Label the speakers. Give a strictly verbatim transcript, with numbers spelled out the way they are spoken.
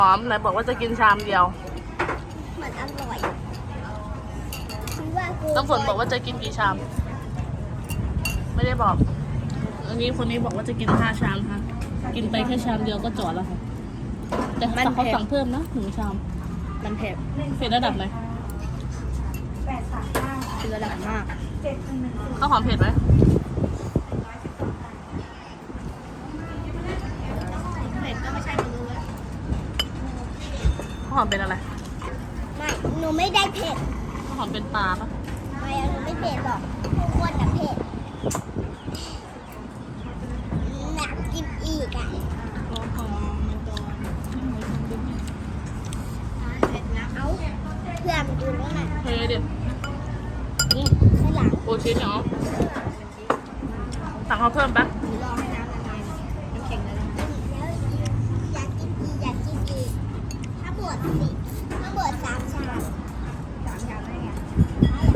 Speaker 1: หอมไหนบอกว่าจะกินชามเดียว
Speaker 2: มันอร่อยคิดว่ากู
Speaker 1: ต้องฝนบอกว่าจะกินกี่ชาม ไม่ได้บอกอันนี้คนนี้บอกว่าจะกินห้าชามค่ะกินไปแค่ชามเดียวก็จอดแล้วค่ะแต่เขาสั่งเพิ่มนะหนึ่งชามมันเผ็ดเผ็ดระดับไหน
Speaker 2: คือระดับมาก
Speaker 1: ข้าวหอมเผ็ดไหม
Speaker 2: เผ็ดก็ไม่ใช่ไม่รู้แล้ว
Speaker 1: ข้าวหอมเป็นอะไร
Speaker 2: ไม่หนูไม่ได้เผ็ด
Speaker 1: ข้าวหอมเป็นปลาปะ
Speaker 2: ไม่หนูไม่เผ็ดหรอกทุกคนน่ะเผ็ดหนักกินอีกอ่ะเอาเพื่อนมาดูแล้วนะ
Speaker 1: เฮ้ยเดี๋ยวอืม
Speaker 2: ข้างหลัง
Speaker 1: โอชิเนาะสั่งเขาเพิ่มปะ
Speaker 2: รอให้น้ำละลายน้ำแข็งละลายแล้วอยากกินอีกอยากกินอีกถ้าบวชสิถ้าบวชสามชามสามชามได้ไงอะไร